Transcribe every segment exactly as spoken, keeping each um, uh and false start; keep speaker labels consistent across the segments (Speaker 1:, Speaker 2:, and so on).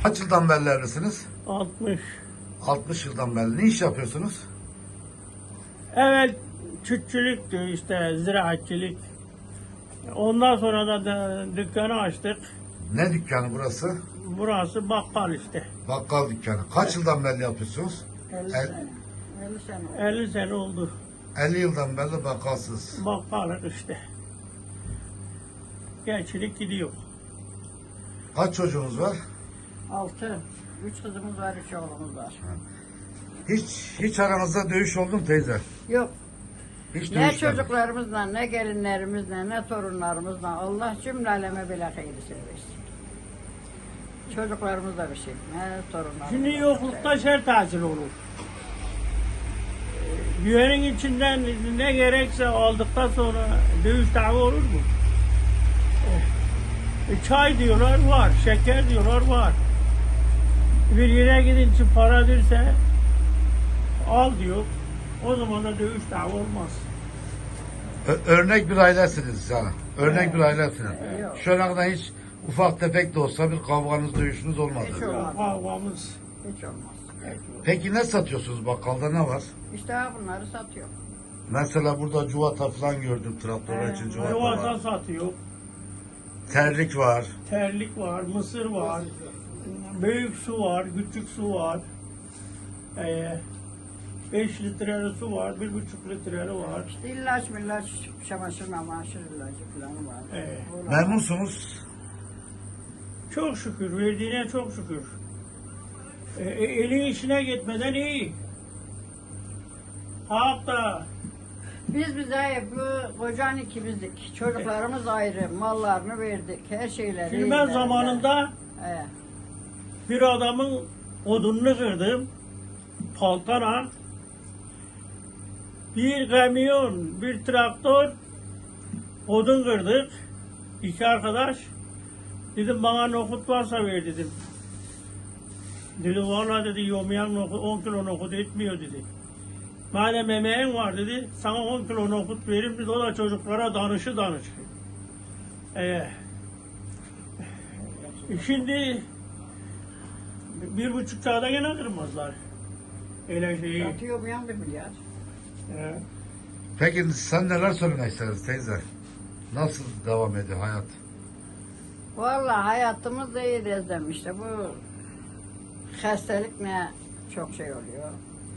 Speaker 1: Kaç yıldan beri evlisiniz?
Speaker 2: altmış.
Speaker 1: altmış yıldan beri. Ne iş yapıyorsunuz?
Speaker 2: Evet, çiftçilikti işte, ziraatçilik. Ondan sonra da, da dükkanı açtık.
Speaker 1: Ne dükkanı burası?
Speaker 2: Burası bakkal işte.
Speaker 1: Bakkal dükkanı. Kaç yıldan beri yapıyorsunuz?
Speaker 3: elli
Speaker 1: El-
Speaker 3: sene. elli sene.
Speaker 2: elli sene oldu.
Speaker 1: elli yıldan beri bakkalsınız.
Speaker 2: Bakkalık işte. Gençlik gidiyor.
Speaker 1: Kaç çocuğunuz var?
Speaker 3: Altı. Üç kızımız var, üç oğlumuz var.
Speaker 1: Hiç hiç aranızda dövüş oldu mu teyze?
Speaker 3: Yok.
Speaker 1: Hiç
Speaker 3: Ne
Speaker 1: dövüş
Speaker 3: çocuklarımızla, ne gelinlerimizle, ne torunlarımızla Allah cümle aleme bile hayırlısını versin. Çocuklarımız da bir şey, ne torunlarımız.
Speaker 2: Şimdi
Speaker 3: da
Speaker 2: yoklukta
Speaker 3: bir şey.
Speaker 2: şer tahsil olur. Güvenin içinden ne gerekse aldıktan sonra dövüş dava olur mu? E, çay diyorlar var, şeker diyorlar var. Bir yere gidince para derse al diyor. O zaman da dövüş dava olmaz.
Speaker 1: Ö- örnek bir ailesiniz yani. Örnek bir ailesiniz.
Speaker 3: Yok.
Speaker 1: Şu ana kadar hiç ufak tefek de olsa bir kavganız, dövüşünüz olmadı.
Speaker 3: Hiç olmaz.
Speaker 2: Kavgamız.
Speaker 3: Hiç olmaz.
Speaker 1: Peki ne satıyorsunuz bakkalda, ne var?
Speaker 3: İşte ha bunları satıyor.
Speaker 1: Mesela burada cuvata falan gördüm, traktörler için cuvata
Speaker 2: Yuvasa
Speaker 1: var.
Speaker 2: satıyor.
Speaker 1: Terlik var.
Speaker 2: Terlik var, mısır var. Büyük su var, küçük su var. Ee, beş litreli su var, bir buçuk litreli var.
Speaker 3: İşte ilaç millaç, çamaşır mamaşır ilacı falan var.
Speaker 2: Evet.
Speaker 3: Onlar-
Speaker 1: Memnunsunuz.
Speaker 2: Çok şükür, verdiğine çok şükür. Ee, e, elin işine gitmeden iyi. Hatta
Speaker 3: Biz bize bu kocan ikimizdik. Çocuklarımız ayrı, mallarını verdik, her şeyleri.
Speaker 2: şimdi ben zamanında
Speaker 3: He.
Speaker 2: bir adamın odununu kırdım. Paltana. Bir kamyon, bir traktör odun kırdık. İki arkadaş. Dedim bana nohut varsa ver dedim. Dedi valla dedi yomayan nohut on kilo nohut etmiyor dedi. Madem emeğin var dedi sana on kilo nohut veririm dedi, o da çocuklara danışı danış. Ee, şimdi bir buçuk çağda gene kırmazlar. Öyle şeyi.
Speaker 3: Atıyor mu yan bir milyar?
Speaker 2: Ee,
Speaker 1: Peki sen neler söylemek istersin teyze? Nasıl devam ediyor hayat?
Speaker 3: Vallahi hayatımız da iyi Rezem işte bu hastalık ne çok şey oluyor.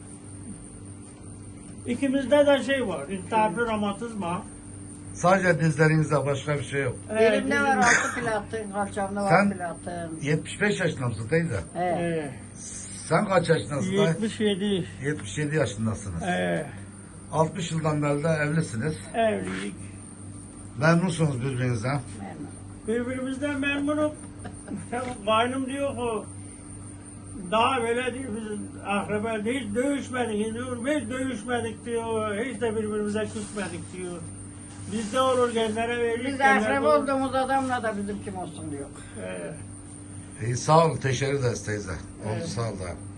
Speaker 2: İkimizde de şey var. İltihaplı romatizma.
Speaker 1: Sadece dizlerinizde, başka bir şey yok.
Speaker 2: Ee,
Speaker 3: Elimde
Speaker 2: bizim-
Speaker 3: var altı platın, kalçamda var
Speaker 1: Sen-
Speaker 3: platın.
Speaker 1: yetmiş beş yaşında mısın teyze?
Speaker 3: He.
Speaker 2: Ee,
Speaker 1: Sen kaç yaşındasın? dayı?
Speaker 2: yetmiş yedi.
Speaker 1: yetmiş yedi yaşındasınız.
Speaker 2: Ee,
Speaker 1: altmış yıldan beri de evlisiniz.
Speaker 2: evlilik.
Speaker 1: Memnunsunuz birbirinizden.
Speaker 3: Memnun.
Speaker 2: Birbirimizden memnunum. Kaynım diyor ki daha böyle diyor biz akraba hiç dövüşmedik diyor. Biz dövüşmedik diyor. Hiç de birbirimize küsmedik diyor. Bizde olur gençlere verir.
Speaker 3: Biz
Speaker 2: gençlerde
Speaker 3: akraba
Speaker 2: olur.
Speaker 3: olduğumuz adamla da bizim kim olsun diyor.
Speaker 2: Ee,
Speaker 1: İyi, sağ olun, teşekkür ederiz teyze. Oldu,
Speaker 2: Evet.
Speaker 1: sağ ol da.